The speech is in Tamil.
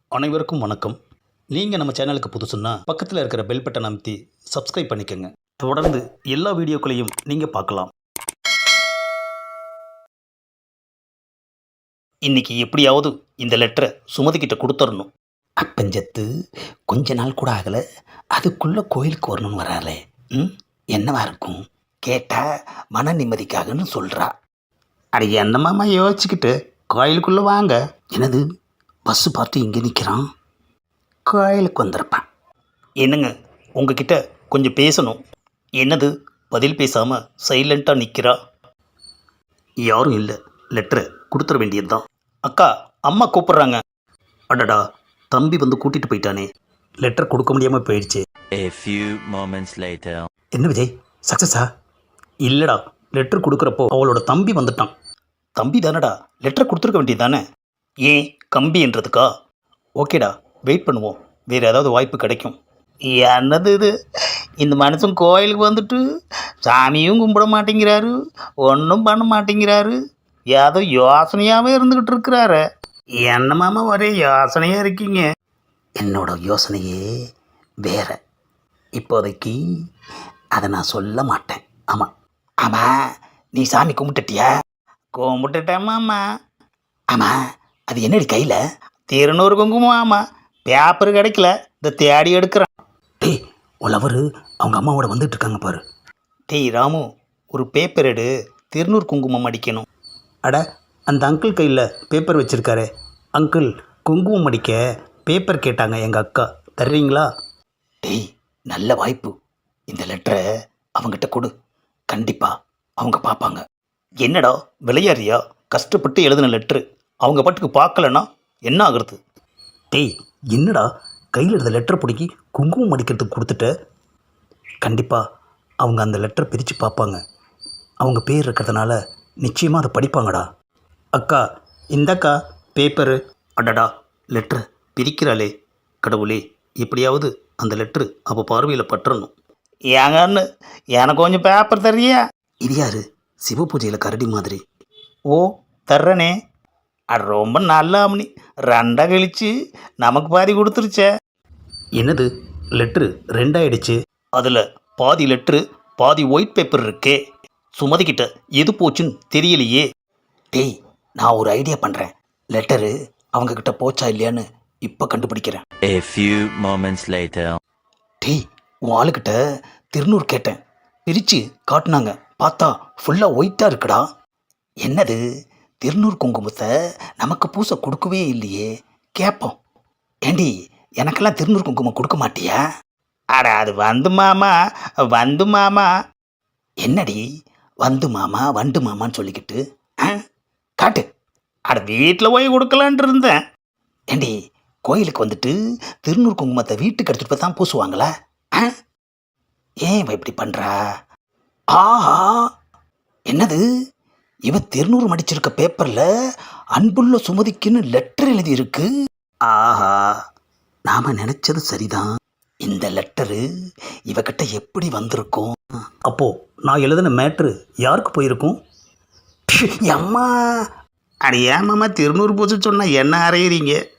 அனைவருக்கும் வணக்கம். நீங்கள் நம்ம சேனலுக்கு புதுசுன்னா பக்கத்தில் இருக்கிற பெல் பட்டனை அமைத்தி சப்ஸ்கிரைப் பண்ணிக்கோங்க. தொடர்ந்து எல்லா வீடியோக்களையும் நீங்கள் பார்க்கலாம். இன்னைக்கு எப்படியாவது இந்த லெட்டரை சுமதிக்கிட்ட கொடுத்துடணும். அப்பஞ்சத்து கொஞ்ச நாள் கூட ஆகலை, அதுக்குள்ளே கோயிலுக்கு வரணும்னு வராளே. என்னவா இருக்கும்? கேட்டால் மன நிம்மதிக்காகன்னு சொல்கிறா. அட என்னமாம்மா யோசிச்சுக்கிட்டு கோயிலுக்குள்ளே வாங்க. என்னது, பஸ்ஸு பார்த்து இங்கே நிற்கிறான், கோயிலுக்கு வந்திருப்பான். என்னங்க, உங்ககிட்ட கொஞ்சம் பேசணும். என்னது, பதில் பேசாமல் சைலண்ட்டாக நிற்கிறா? யாரும் இல்லை, லெட்டரை கொடுத்துட வேண்டியது தான். அக்கா, அம்மா கூப்பிட்றாங்க. அடடா, தம்பி வந்து கூட்டிகிட்டு போயிட்டானே, லெட்டர் கொடுக்க முடியாமல் போயிடுச்சு. A few moments later. என்ன விஜய், சக்ஸஸா? இல்லைடா, லெட்டர் கொடுக்குறப்போ அவளோட தம்பி வந்துட்டான். தம்பி தானடா, லெட்டர் கொடுத்துருக்க வேண்டியது தானே. ஏன் கம்பி என்றதுக்கா? ஓகேடா, வெயிட் பண்ணுவோம், வேறு ஏதாவது வாய்ப்பு கிடைக்கும். என்னது இது, இந்த மனுஷன் கோயிலுக்கு வந்துட்டு சாமியும் கும்பிட மாட்டேங்கிறாரு, ஒன்றும் பண்ண மாட்டேங்கிறாரு, ஏதோ யோசனையாகவே இருந்துக்கிட்டு இருக்கிறாரு. என்னமாமா ஒரே யோசனையாக இருக்கீங்க? என்னோட யோசனையே வேற. இப்போதைக்கு அதை நான் சொல்ல மாட்டேன். ஆமாம் ஆமாம், நீ சாமி கும்பிட்டுட்டியா? கும்பிட்டுட்டேம்மாம்மா. ஆமாம், அது என்னடி கையில்? திருநூறு குங்குமம். ஆமாம், பேப்பர் கிடைக்கல, இந்த தேடி எடுக்கிறேன். டேய், உழவர் அவங்க அம்மாவோட வந்துட்டு இருக்காங்க பாரு. டேய் ராமு, ஒரு பேப்பர் எடு, திருநூறு குங்குமம் அடிக்கணும். அட, அந்த அங்கிள் கையில் பேப்பர் வச்சுருக்காரு. அங்கிள், குங்குமம் அடிக்க பேப்பர் கேட்டாங்க எங்கள் அக்கா, தர்றீங்களா? டேய், நல்ல வாய்ப்பு, இந்த லெட்டரை அவங்ககிட்ட கொடு, கண்டிப்பாக அவங்க பார்ப்பாங்க. என்னடா விளையாடுறியா? கஷ்டப்பட்டு எழுதின லெட்ரு அவங்க பாட்டுக்கு பார்க்கலன்னா என்ன ஆகுறது? டேய், என்னடா கையில் இருந்த லெட்டரை பிடிக்கி குங்குமம் அடிக்கிறதுக்கு கொடுத்துட்ட? கண்டிப்பாக அவங்க அந்த லெட்டரை பிரித்து பார்ப்பாங்க. அவங்க பேர் இருக்கிறதுனால நிச்சயமாக அதை படிப்பாங்கடா. அக்கா, இந்தக்கா பேப்பரு. அடடா, லெட்ரு பிரிக்கிறாளே, கடவுளே, எப்படியாவது அந்த லெட்ரு அவள் பார்வையில் பற்றணும். ஏங்கன்னு எனக்கு கொஞ்சம் பேப்பர் தர்றியா? இது யாரு, சிவ பூஜையில் கரடி மாதிரி. ஓ, தர்றனே. அது ரொம்ப நல்ல அம்னி, ரெண்டாக கழிச்சு நமக்கு பாதி கொடுத்துருச்சே. என்னது, லெட்ரு ரெண்டாயிடுச்சு? அதில் பாதி லெட்ரு பாதி ஒயிட் பேப்பர் இருக்கே. சுமதிக்கிட்ட எது போச்சுன்னு தெரியலையே. டேய், நான் ஒரு ஐடியா பண்ணுறேன். லெட்டரு அவங்கக்கிட்ட போச்சா இல்லையான்னு இப்போ கண்டுபிடிக்கிறேன். A few moments later. டேய், உன் ஆளுக்கிட்ட திருநூறு கேட்டேன், பிரித்து காட்டினாங்க, பார்த்தா ஃபுல்லாக ஒயிட்டாக இருக்குடா. என்னது, திருநூறு குங்குமத்தை நமக்கு பூசை கொடுக்கவே இல்லையே, கேட்போம். ஏண்டி, எனக்கெல்லாம் திருநூறு குங்குமம் கொடுக்க மாட்டியா? அட, அது வந்து மாமா, வந்து மாமா. என்னடி வந்து மாமா வண்டு மாமான்னு சொல்லிக்கிட்டு காட்டு. அட, வீட்டில் போய் கொடுக்கலான்ட்டு இருந்தேன். ஏண்டி, கோயிலுக்கு வந்துட்டு திருநூறு குங்குமத்தை வீட்டுக்கு எடுத்துகிட்டு போய் தான் பூசுவாங்களா? ஏன் இவ இப்படி பண்ணுறா? ஆஹா, என்னது, இவ திருநூறு மடிச்சிருக்க பேப்பரில் அன்புள்ள சுமதிக்குன்னு லெட்டர் எழுதியிருக்கு. ஆஹா, நாம் நினச்சது சரிதான். இந்த லெட்டரு இவகிட்ட எப்படி வந்திருக்கும்? அப்போது நான் எழுதின மேட்ரு யாருக்கு போயிருக்கும்? அம்மா, அட ஏமாம்மா திருநூறு பூஜை சொன்னால் என்ன அறையிறீங்க?